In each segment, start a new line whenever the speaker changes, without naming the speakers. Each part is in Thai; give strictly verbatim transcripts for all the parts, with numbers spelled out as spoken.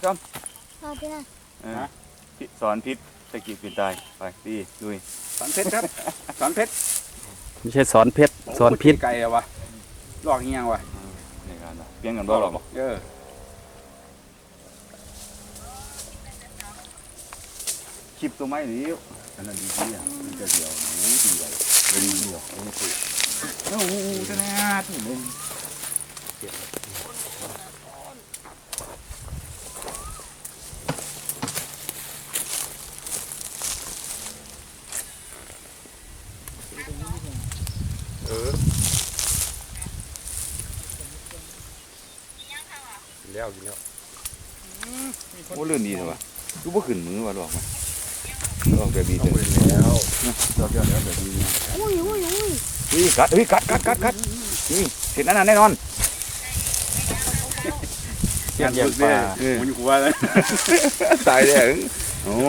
ซ้อม
พอไปนะ
สอนพิษตะกี้ปิดตายไปดีลุย
สอนเพชรครับสอนเพชร
ไม่ใช่สอนเพชรสอนพิษ
ไก่อะวะลอกเงี้ยวะ
ในการเปลี่ยนกันบ่หรอก
เออ
คลิปตัวไม้หรืออันนั้นดีที่อ่ะมันจะเดียวหนูดีใหญ่เลยเดียวโอ้โหโอ้โหจะน่าถึงเลยเออ
แล้วกินแล้ว
โอ้เลื่อนดีเลยวะรู้ว่าขึ้นมือวะหรอกมั้ยหรอกแบบดี
เอา
เล
ไป
ย
แล้ว
หรอกแบบแบบดี
อุ้ยอุ้ยอุ้ย
เฮ้ยกัดเฮ้ยกัดกัดกัดกัดนี่เสร็จนั่นแน่นอน
เกี่ยงปลามันอยู่หัวเลย
ตายเลยโอ้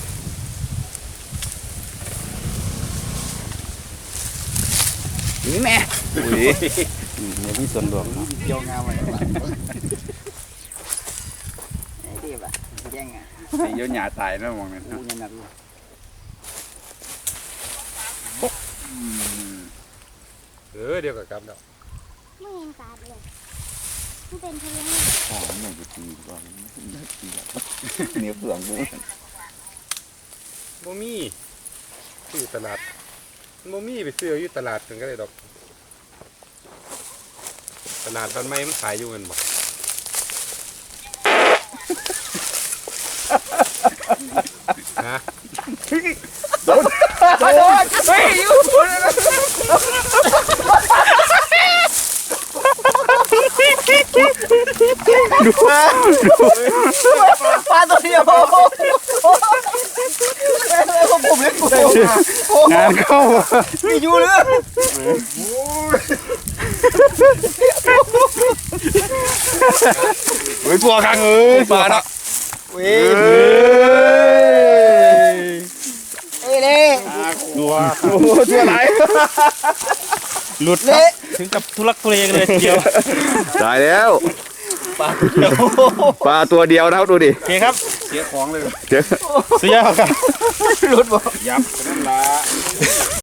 นี่แม่อุ้ย
เนี่ยมีส่วนรวม
เกี่ยวงามเลย
ดีป่ะแย่งอ่ะ
เยอะหยาตายนะมองเนี่ย
อู้ยันหนักอยู่
เออเดียวกับกำแล้ว
ไม่เห็นขาดเลยมันเป็นทะเล
อ๋อไม่จะตีก่อนตีเหนียวเปลืองกู
โมมี่ที่ตลาดโมมี่ไปซื้ออยู่ตลาดกันก็เลยดอกตลาดตอนไม่มันขายอยู่เงินบอกฮะ
โดนโดนเฮ้ยอยู่ดู
ปลาตัวเดียวผมเล็กกู
งานเข้า
ไม่อยู่เลย
เฮ้ยตัวคังเอ้ยปลาเนาะ
เว้ยเอ้ยเล่
ตัว
โอ้ตัวไหน
หลุดครับถึงกับทุลักทุเลกันเลยทีเดียว
ตายแล้ว
ปลาตัวเดียว
ปลาตัวเดียวนะครับดูดิ
โอเคครับ
เสียของเลย
เจอ
สุดยอดครับ
หลุดบ่
ยับกันนั่นละ